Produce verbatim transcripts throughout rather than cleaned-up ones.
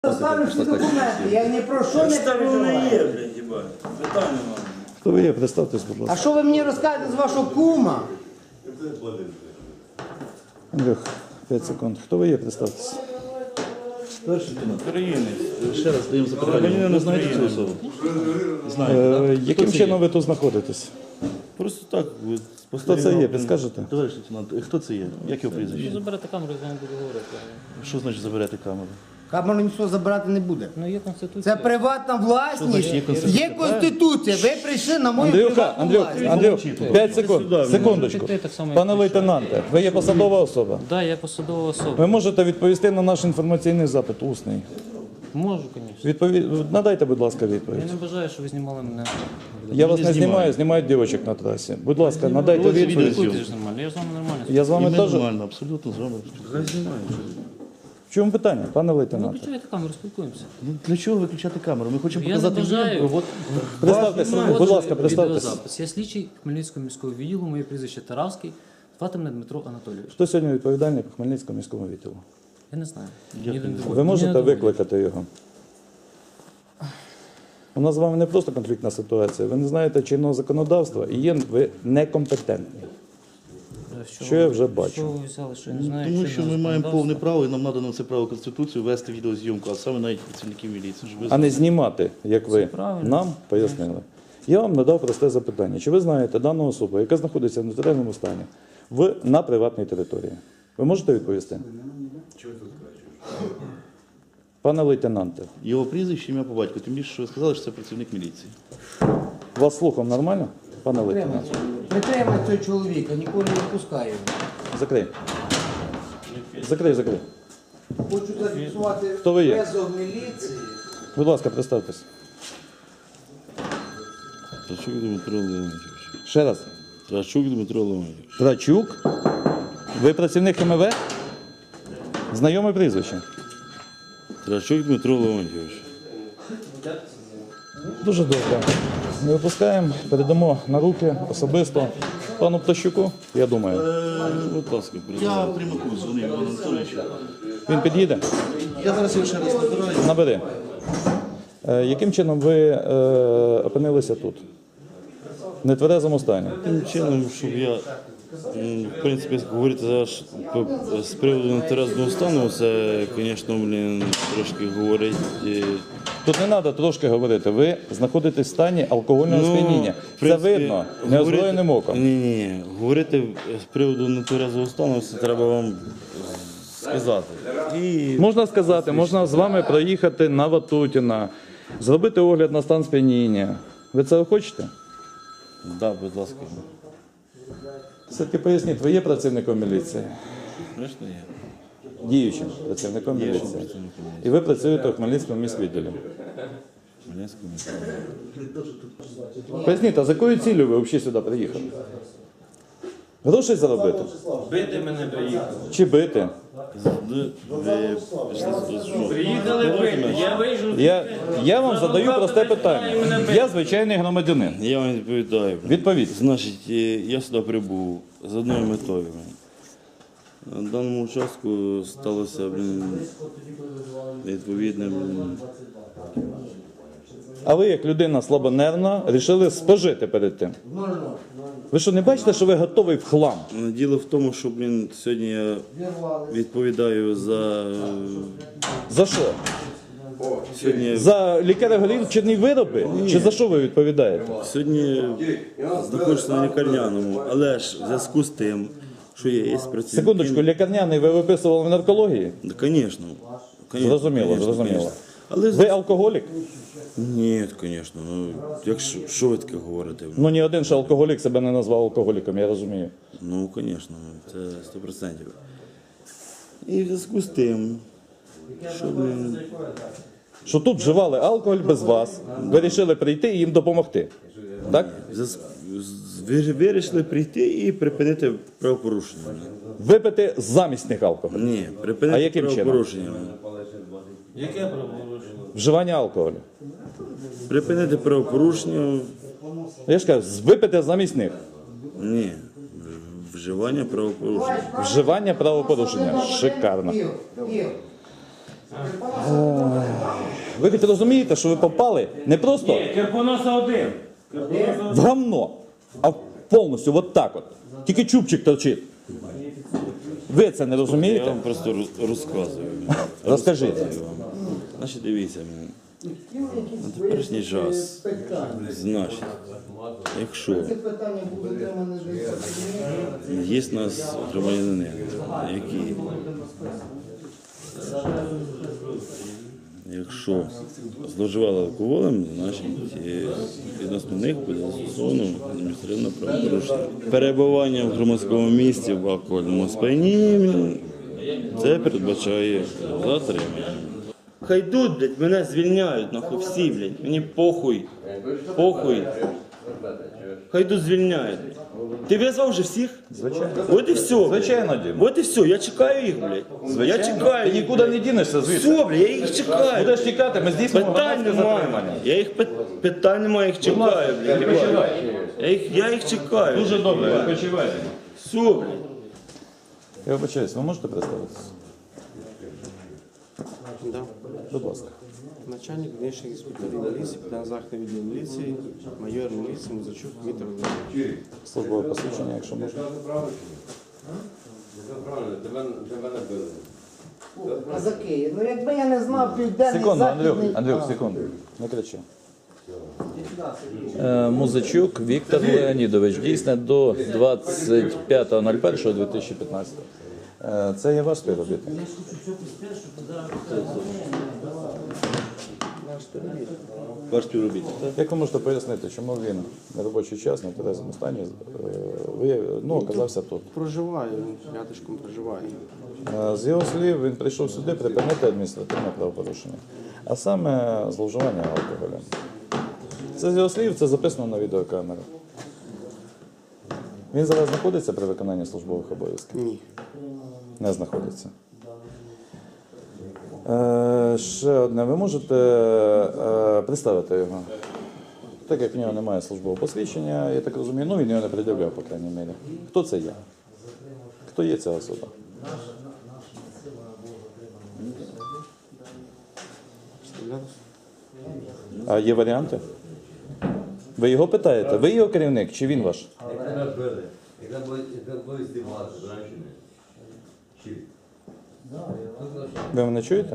Достану всі документи, я ні про що не переживаю. є, блядь, їбать. Питання мало. Хто ви є? Представтесь, будь А ласка. що ви мені розкажете з вашого кума? Андрюх, п'ять секунд. Хто ви є? Представтесь. Перший лейтенант. Українець. Ще раз даємо запитання. Ви не знаєте цю особу? Знаєте, Е, так? яким Хто це чином є? ви тут знаходитесь? Просто так. от, Хто це спостерігав. є? Підскажете? Товариш лейтенант, хто це є? Як його прізвище? Заберете камеру, з вами буду говорити. Що значить заберете камеру? Камеру ніхто забирати не буде. Ну є конституція. Це приватна власність. значить є конституція? Є конституція. Ви прийшли на мою Андрюха, приватну Андрюх, власність. Андрюх, п'ять секунд. Секундочку. Ти так само, як Пане прийшов. лейтенанте, ви є посадова особа. Да, я посадова особа. Ви можете відповісти на наш інформаційний запит усний. Можу, звісно. Відповідь надайте, будь ласка, Я відповідь. не бажаю, щоб ви знімали мене. Я вас не не знімаю, знімаю. знімають дівчаток на трасі. Будь ласка, надайте Ось відповідь. відео. Це ж нормально. Я з вами нормально. Я з І вами ми теж. нормально, абсолютно з вами. Хай знімає. В чому питання, пане Ну, лейтенанте? включайте камеру, спілкуємося. Ну, для чого виключати камеру? Ми хочемо Я не показати бажаю. відео. От Представтесь, будь ласка, представтесь. Відеозапис. Я слідчий Хмельницького міського відділу, моє прізвище Таравський, звати мене Дмитро Анатолійович. Хто сьогодні відповідальний по Хмельницькому міському відділу? Я не знаю. Дякую. Ні, не доводять. Ви Мені можете не доводять. викликати його? У нас з вами не просто конфліктна ситуація. Ви не знаєте чинного законодавства і є ви некомпетентні. Що Що ви- я вже бачу? Що ви взяли, що я не знаю, Тому що чинного ми маємо законодавства? повне право і нам надано це право Конституцію вести відеозйомку, а саме навіть працівників міліції. Щоб ви А не знімати, як ви правильно. нам пояснили. Я вам надав просте запитання. Чи ви знаєте дану особу, яка знаходиться в нотаріальному стані в, на приватній території? Ви можете відповісти? Пане лейтенанте, Його прізвище, ім'я по батьку. Тим більше, що ви сказали, що це працівник міліції. вас слухом нормально? Пане лейтенанте, Притримай цього чоловіка, ніколи не відпускаю. закрий. Закрий, закрий. Хочу зафіксувати Хто ви є? везов міліції. Будь ласка, представтесь. Трачук Дмитро Леонтьович. Ще раз. Трачук Дмитро Леонтьович. Трачук. Ви працівник ХМВ? Знайоме прізвище. Трачук Дмитро Леонтьович. Дуже добре. Ми випускаємо, передамо на руки особисто пану Птащуку, я думаю. Будь ласка, Я передавайте. прямику дзвонив Івану Анатолійовичу. Він під'їде? Я зараз його ще раз набираю. Набери. Е, яким чином ви е, опинилися тут? В нетверезому стані? Тим чином, щоб я, м, в принципі, говорити зараз по- з приводу нетерезного стану, це, звісно, блін, трошки говорить. е, Тут не треба трошки говорити. Ви знаходитесь в стані алкогольного сп'яніння. в Це принципі, видно неозброєним оком. Ні, ні, говорити з приводу нетверезого стану, це треба вам сказати. І Можна сказати, можна з вами проїхати на Ватутіна, зробити огляд на стан сп'яніння. Ви це хочете? да, будь ласка, Все-таки поясніть, ви є працівником міліції? звісно, є. Діючим працівником Діючим міліції. працівником міліції. І ви працюєте у Хмельницькому міськвідділі. Хмельницькому місті. Поясніть, а з якою цілею ви взагалі сюди приїхали? Грошей заробити? Бити мене приїхали. Чи бити? Ви пішли сюди, що? Приїхали бити. Я вийшов. Я, я вам задаю просте питання. Я звичайний громадянин. Я вам відповідаю. Відповідь. Значить, е, я сюди прибув з одною метою. На даному участку сталося, блін, відповідне, блін, А ви, як людина слабонервна, вирішили спожити перед тим. Ви що, не бачите, що ви готовий в хлам? діло в тому, що, блін, сьогодні я відповідаю за... За що? Сьогодні, За лікаревгорівчені вироби? Чи за що ви відповідаєте? сьогодні знаходжуся на лікарняному, але ж в зв'язку з тим, що є, є працівники... Секундочку, лікарняний ви виписували в наркології? Да, звісно. Зрозуміло, зрозуміло. Але Ви алкоголік? ні, звісно. Ну, якщо що ви таке говорите? Ну ні один ще алкоголік себе не назвав алкоголіком, я розумію. Ну, звісно, це сто відсотків. І в зв'язку з тим, що блін, Що тут вживали алкоголь без вас, ви вирішили прийти і їм допомогти. Так? в зв'язку з- ви вирішили прийти і припинити правопорушення. Випити замість них алкоголь. Ні, А припинити яким чином? правопорушення. Яке правопорушення? Вживання алкоголю. Припинити правопорушення, Я ж кажу, випити замість них. ні, вживання правопорушення. Вживання правопорушення. Шикарно. Ігор, Ігор, Ви хоч розумієте, що ви попали не просто Ні, Кирпоноса один. в гамно, а повністю от так от. Тільки чубчик торчить. Ви це не Я розумієте? вам просто роз- розказую. Розкажіть. Розказую вам. Значить, дивіться, на теперішній час, значить, якщо Це питання буде для мене вже. є в нас громадянини, які, якщо зловживали алкоголем, значить е, відносно них буде застосовано адміністративне правопорушення. Перебування в громадському місці в алкогольному сп'янінні, це передбачає затримання. Хай йдуть, блядь, мене звільняють, нахуй всі, блядь, мені похуй, похуй. Хай йдуть звільняють. Ти визвав вже всіх? Звичайно. От і все. Звичайно, Дім. От і все, я чекаю їх, блядь. Я Звичайно. чекаю Ти їх. нікуди не дінешся звідси. Все, блядь, я їх чекаю. Будеш тікати, ми здійснимо Питань громадське немає. затримання. Я їх пит- питань немає, я їх чекаю, блядь. Я їх, я їх чекаю. Дуже добре, відпочивайте. Все, блядь. Я вибачаюсь, ви можете представитися? Да. Будь ласка. Начальник внешних инспекторов милиции, капитан західного відділу міліції, майор міліції Музичук Віктор Володимирович. Службове посвідчення, якщо можна. Казаки, ну якби я не знав південний Секунду, Андрюх, західний... Андрюх, секунду. Не кричи. Е, Музичук Віктор Леонідович, дійсне до двадцять п'ятого лютого дві тисячі п'ятнадцятого. Е, Це є ваш співробітник? Ваш співробітник, так? Як ви можете пояснити, чому він на робочий час, на тверезому стані, е, ви, ну, оказався тут? Проживає, він рядышком проживає. Е, З його слів, він прийшов сюди припинити адміністративне правопорушення, а саме зловживання алкоголем. Це з його слів, це записано на відеокамеру. Він зараз знаходиться при виконанні службових обов'язків? Ні. Не знаходиться. Е, ще одне, ви можете е, представити його? Так як в нього немає службового посвідчення, я так розумію, ну він його не пред'являв, по крайній мірі. Хто це є? Хто є ця особа? Представлявся? А є варіанти? Ви його питаєте? Ви його керівник чи він ваш? Яка буде здиватися з женщини? Чи? Ви мене чуєте?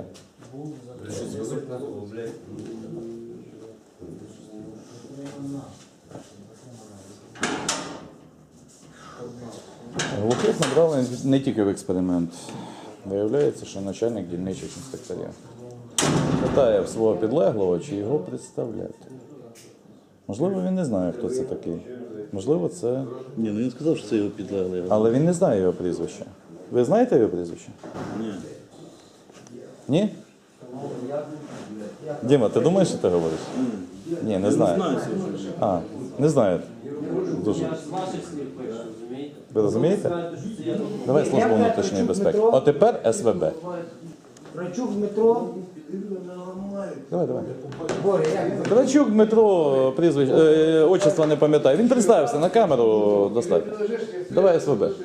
Глухих набрали не тільки в експеримент. Виявляється, що начальник дільничих інспекторів питає в свого підлеглого, чи його представляти. Можливо, він не знає, хто це такий. Можливо, це... Ні, ну він сказав, що це його підлеглий. Але він не знає його прізвища. Ви знаєте його прізвище? Ні. Ні? Діма, ти думаєш, що ти говориш? Ні, не знаю. А, не знаю. Дуже. З ваших слів пишу, розумієте? Ви розумієте? Давай службу внутрішньої безпеки. А тепер ес ве бе. Крачук Дмитро. Давай, давай. Боря, як? Кравчук Дмитро, прізвище, е, отчество не пам'ятаю. Він представився на камеру достатньо. Давай ес ве бе.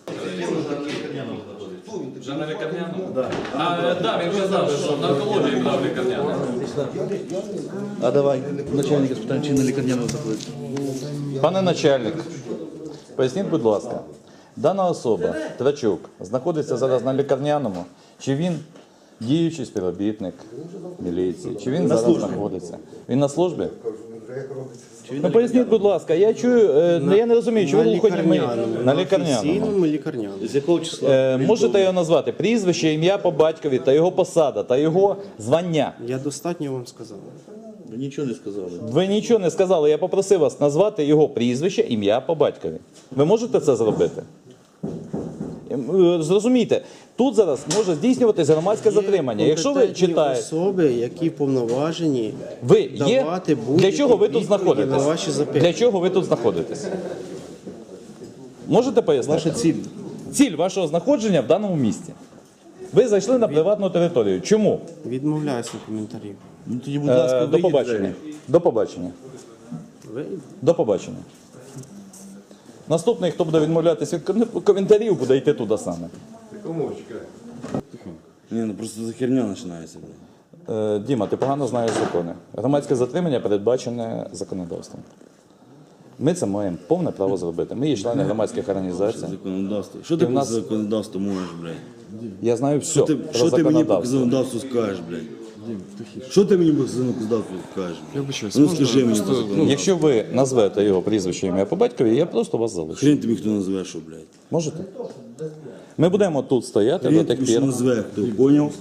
Вже на лікарняному? Так. А, да, він казав, що на онкології була в лікарняному. А давай, начальника спитаємо, чи на лікарняному заходить. Пане начальник, поясніть, будь ласка, дана особа, Трачук, знаходиться зараз на лікарняному, чи він діючий співробітник міліції, чи він зараз знаходиться? Він на службі? Ну поясніть, будь ласка, я чую, е, я не розумію, чи ви На виходять мої... лікарняному. На лікарняному. Офіційному лікарняному. З якого числа? Е, можете його назвати прізвище, ім'я по батькові та його посада, та його звання. Я достатньо вам сказав. Ви нічого не сказали. Ви нічого не сказали, я попросив вас назвати його прізвище, ім'я по батькові. Ви можете це зробити? Ем, е, Зрозумійте, тут зараз може здійснюватись громадське затримання. Якщо ви Компетентні читаєте, особи, які повноважені ви є, давати для будь-які чого ви тут відповіді на знаходитесь? ваші запитання. Для чого ви тут знаходитесь? Можете пояснити? Ваша ціль. Ціль вашого знаходження в даному місці. Ви зайшли на приватну територію. Чому? Відмовляюся від коментарів. Ну тоді, будь ласка, Е, До вийдіть побачення. двері. До побачення. Ви До побачення. Наступний, хто буде відмовлятися від ком- коментарів, буде йти туди саме. Ні, ну просто за херня починається, блядь. Е, Діма, ти погано знаєш закони. Громадське затримання передбачене законодавством. Ми це маємо повне право зробити. Ми є члени громадських організацій. Законодавство. Що ти в по нас- законодавству можеш, блядь? Я знаю все Що ти, про що ти мені по законодавство. законодавству скажеш, блядь? Що ти мені по законодавству скажеш? блядь? Ну скажи мені по законодавству. Якщо ви назвете його прізвище ім'я по батькові, я просто вас залишу. Хрен тобі хто назве, що, блядь. Можете? Ми будемо тут стояти Хрен до тих тобі що пір. назве, хто, поняв?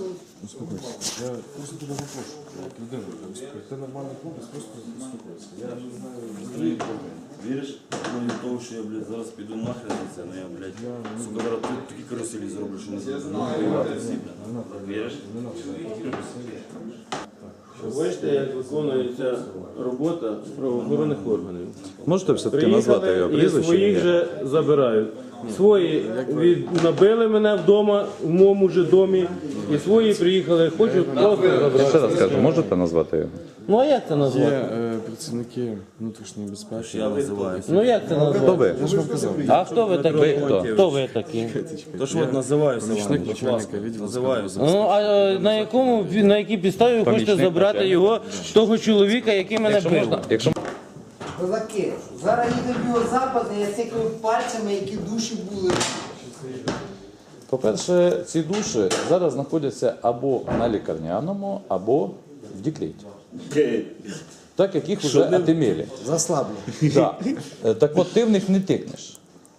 Ти нормальний хлопець, просто успокойся. Я не знаю. Віриш? Ну, від того, що я, блядь, зараз піду нахрен на це, ну я, блядь, сука, зараз тут такі каруселі зроблю, що не знаю, воювати всі, блядь. Віриш? Бачите, як виконується робота правоохоронних органів. Можете все-таки назвати його Приїхали і прізвище? своїх ім'я? же забирають. Свої від... набили мене вдома, в моєму же домі, і свої приїхали, хочуть просто Я забрати. ще раз кажу, можете назвати його? Ну а як це Є назвати? е, працівники внутрішньої безпеки. Я називаюся. Ну як це Хто назвати? ви? Я ж вам казав. А хто ви такі? Ви хто? Хто ви такі? То ж от називаюся вам, Помічник будь начальника ласка, відділу називаюся. Ну а е, на якому на якій підставі ви хочете Помічник забрати начальника. його, того чоловіка, який мене Якщо бив? можна, якщо Козаки, зараз їде біозапади, я цикаю пальцями, які душі були. По-перше, ці душі зараз знаходяться або на лікарняному, або в декреті. Так як їх вже отимели. Заслаблю. Да. Е, Так от ти в них не тикнеш.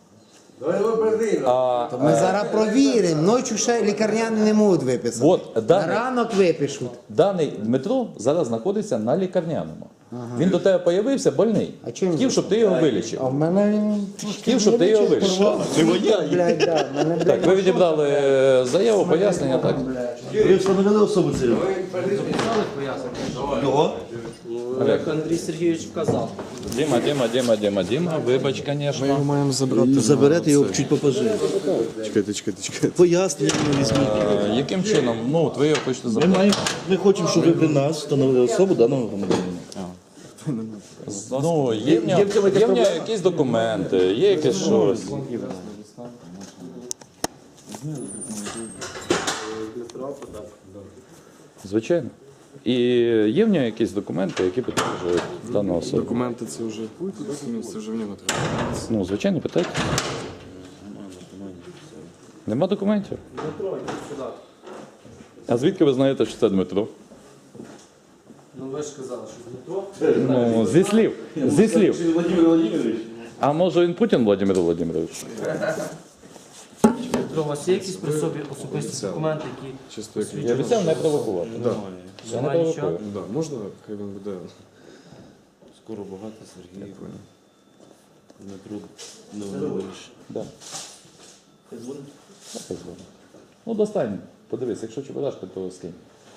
А, То ми зараз провіримо. Ночі ще лікарняни не можуть виписати. от На даний, ранок випишуть. даний Дмитро зараз знаходиться на лікарняному. Він до тебе появився больний. А чого він Хотів, щоб ти його вилічив. А в мене він Хотів, щоб ти його вилічив. блядь, да, в мене, блядь, Так, ви відібрали е, заяву, пояснення, так? Ви встановили особу цю? Як Андрій Сергійович вказав. Діма, Діма, Діма, Діма, Діма, вибач, ми його звісно. маємо забрати. Заберете на його це. чуть попозже. Чекайте, чекайте, чекайте. Пояснення візьміть. Е, Яким чином? Ну, от ви його хочете Ми, забрати. маємо, ми хочемо, щоб ви при нас встановили особу даного громадянина. Ну, є в нього, є в нього якісь документи, є якесь щось. Звичайно. І є в нього якісь документи, які підтверджують дану особу. Документи це вже це вже в нього треба. Ну, звичайно, питайте. Нема документів? А звідки ви знаєте, що це Дмитро? Ну ви ж казали, що Дмитро. Ну, зі слів. Зі слів. Владимир Владимирович. А може він Путін Владимир Володимирович? Дмитро, у вас є якісь при собі особисті документи, які Чисто як Я обіцяв не провокувати. Я не немає нічого? провокую. Да, можна, хай він буде. Скоро багато, Сергій. Дмитро Леонідович. Да. Так, ну, достань. Подивись, якщо чебурашка, то скинь.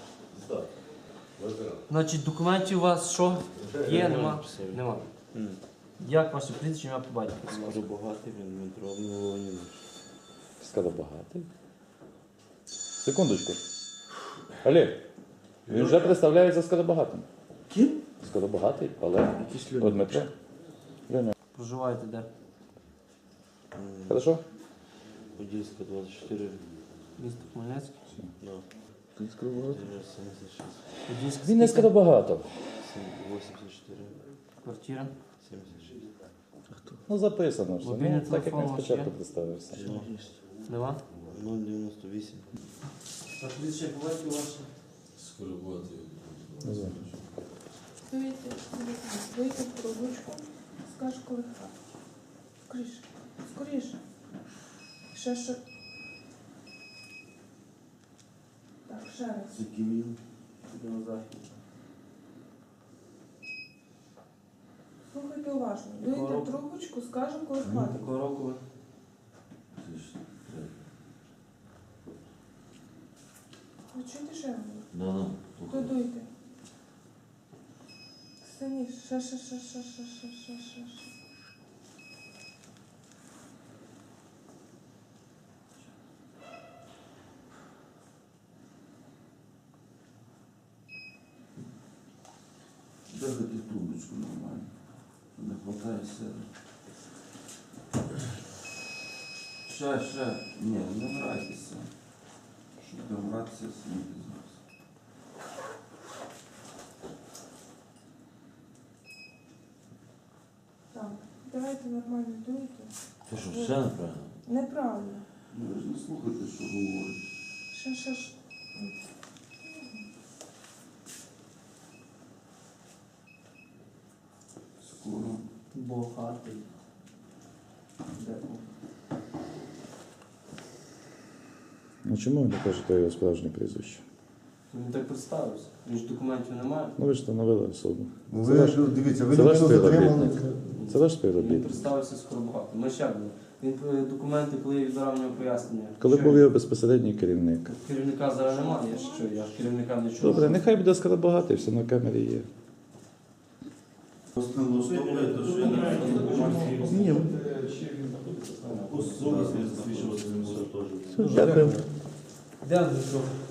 Значить, документів у вас що? Є, нема? Нема. Як ваше прізвище, ім'я по батькові? Скоро багатий він, Дмитро Леонідович. Сказав багатий. Секундочку. Олег, він вже представляється скоробагатим. Ким? Скоробагатий, Олег. О, Дмитро. Леня. Проживаєте де? Хорошо? Подільська, двадцять чотири. Місто Хмельницький? Да. сімдесят шість. Подільська Він не скільки? скоробагато. вісімдесят чотири. Квартира? сімдесят шість. Ну, записано все. Мобільний Ну, так як телефон він у вас спочатку є? представився. Нема? нуль дев'яносто вісім. А прізвище по батькові ваше? Вийти, вийти в трубочку, скажеш, коли хата. Скоріше, скоріше. Ще ще. Так, ще раз. Підемо на захід. Слухайте уважно. Вийти Якого в трубочку, скажемо, коли хватить. Якого року ви? Ви чуєте, що я говорю? Да, да. Додуйте. Синіше, ще, ще, ще, ще, ще, ще, ще, ще, ще. Дергати трубочку нормально. Не хватає сили. Ще, ще. Ні, не грайтеся. щоб добратися самі зараз. Так, давайте нормально дуйте. Ти що, все неправильно? Неправильно. Ну, ви ж не слухайте, що говорить. Ще, ще, ще. Скоро. Богатий. Ну чому ви не кажете його справжнє прізвище? Він так представився. Він ж документів немає. Ну ви ж встановили особу. Ну, Це ви ваш- ж дивіться, ви Це ваш людину затримали. співробітник. Це ваш Він співробітник. представився скоро багато. Ми ще були. Він е, документи, коли я відбирав в нього пояснення. Коли Що був він- його безпосередній керівник. Керівника зараз немає, я ж що, я ж керівника не чув. Добре, нехай буде скоробагатий, все на камері є. Просто не влаштовує, то що я не Ні, особисто свідчилося з ним теж. Дякую. Де Андрюшов?